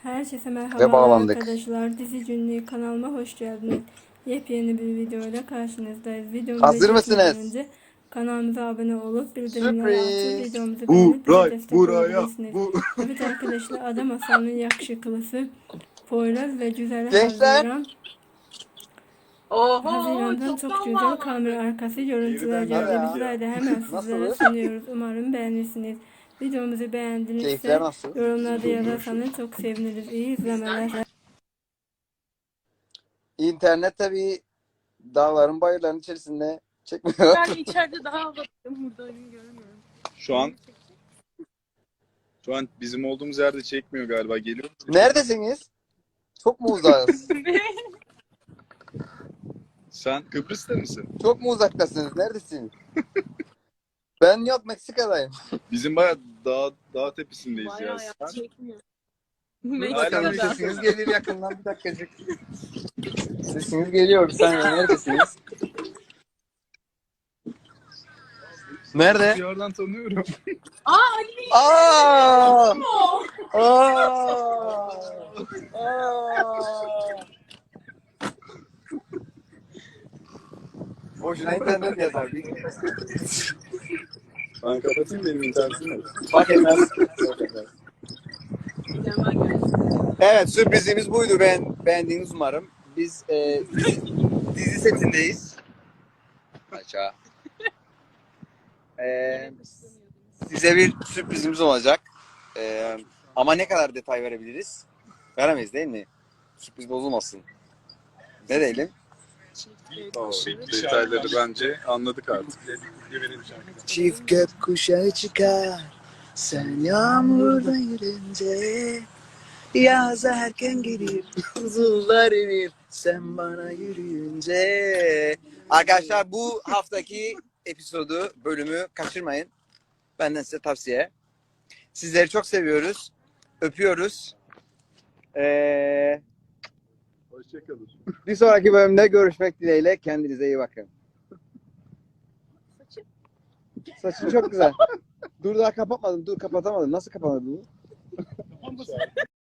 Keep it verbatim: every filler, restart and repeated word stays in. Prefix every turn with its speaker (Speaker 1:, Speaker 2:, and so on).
Speaker 1: Herkese
Speaker 2: Ve
Speaker 1: merhaba
Speaker 2: bağlandık.
Speaker 1: arkadaşlar. Dizi Günlüğü kanalıma hoş geldiniz. Yepyeni bir videoyla karşınızdayız. Videomuza
Speaker 2: Hazır
Speaker 1: geçmeden
Speaker 2: mısınız?
Speaker 1: önce kanalımıza abone olup bildirimleri açıp
Speaker 2: Sürpriz.
Speaker 1: videomuzu beğenip bize
Speaker 2: Buray,
Speaker 1: destek
Speaker 2: buraya,
Speaker 1: olabilirsiniz.
Speaker 2: bu.
Speaker 1: Evet arkadaşlar, Ada Masal'ın yakışıklısı Poyraz ve güzel
Speaker 2: Gençler.
Speaker 1: Haziran.
Speaker 3: Oho,
Speaker 1: Haziran'dan çok
Speaker 3: çoktan
Speaker 1: güzel kamera
Speaker 3: bağlandık.
Speaker 1: arkası görüntüler
Speaker 2: Hadi
Speaker 1: geldi.
Speaker 2: ya.
Speaker 1: Bizler de hemen sizlere
Speaker 2: Nasılız?
Speaker 1: sunuyoruz. Umarım beğenirsiniz. Videomuzu
Speaker 2: Keyifler
Speaker 1: beğendinizse
Speaker 2: nasıl?
Speaker 1: yorumlarda yazarsanız çok seviniriz. İyi izlemeler.
Speaker 2: İnternet tabii dağların bayırların içerisinde çekmiyor.
Speaker 3: Ben içeride daha havalı. Burada önümü görmüyorum.
Speaker 4: Şu an şu an bizim olduğumuz yerde çekmiyor galiba. Geliyor musun?
Speaker 2: Neredesiniz? Çok mu uzağız?
Speaker 4: Sen Kıbrıs'ta mısın?
Speaker 2: Çok mu uzaktasınız? Neredesiniz? Ben yok, Meksika'dayım.
Speaker 4: Bizim bayağı dağ, dağ tepesindeyiz ya.
Speaker 3: Bayağı ya,
Speaker 4: Sen
Speaker 3: çekmiyor.
Speaker 2: Dur
Speaker 4: Hala
Speaker 2: bakalım,
Speaker 4: Meksika'da.
Speaker 2: sesiniz gelir yakından, bir dakikacık. Sesiniz geliyor, bir saniye, neredesiniz? Nerede?
Speaker 4: bir yerden tanıyorum.
Speaker 3: Aa Ali Bey.
Speaker 2: Aa!
Speaker 3: O.
Speaker 2: Aa! Aa! Boşuna internet yazar.
Speaker 4: Ben kapatayım, benim internetim yok.
Speaker 2: Fark etmez.
Speaker 3: Hemen geldim.
Speaker 2: Evet, sürprizimiz buydu. Ben beğendiğiniz umarım. Biz e, dizi, dizi setindeyiz. Aşağı. E, size bir sürprizimiz olacak. E, ama ne kadar detay verebiliriz? Veremeyiz değil mi? Sürpriz bozulmasın. Ne diyelim?
Speaker 4: Tamam, detayları bence anladık artık.
Speaker 2: Çift gökkuşağı çıkar, sen yağmurda yürünce, yaz erken gelir, buzullar inir, sen bana yürüyünce. Arkadaşlar, bu haftaki episodu, bölümü kaçırmayın. Benden size tavsiye. Sizleri çok seviyoruz, öpüyoruz. Ee,
Speaker 4: Hoşçakalın.
Speaker 2: bir sonraki bölümde görüşmek dileğiyle. Kendinize iyi bakın.
Speaker 3: Saçım.
Speaker 2: Saçın çok güzel. Dur, daha kapatmadım. Dur, kapatamadım. Nasıl kapatmadım?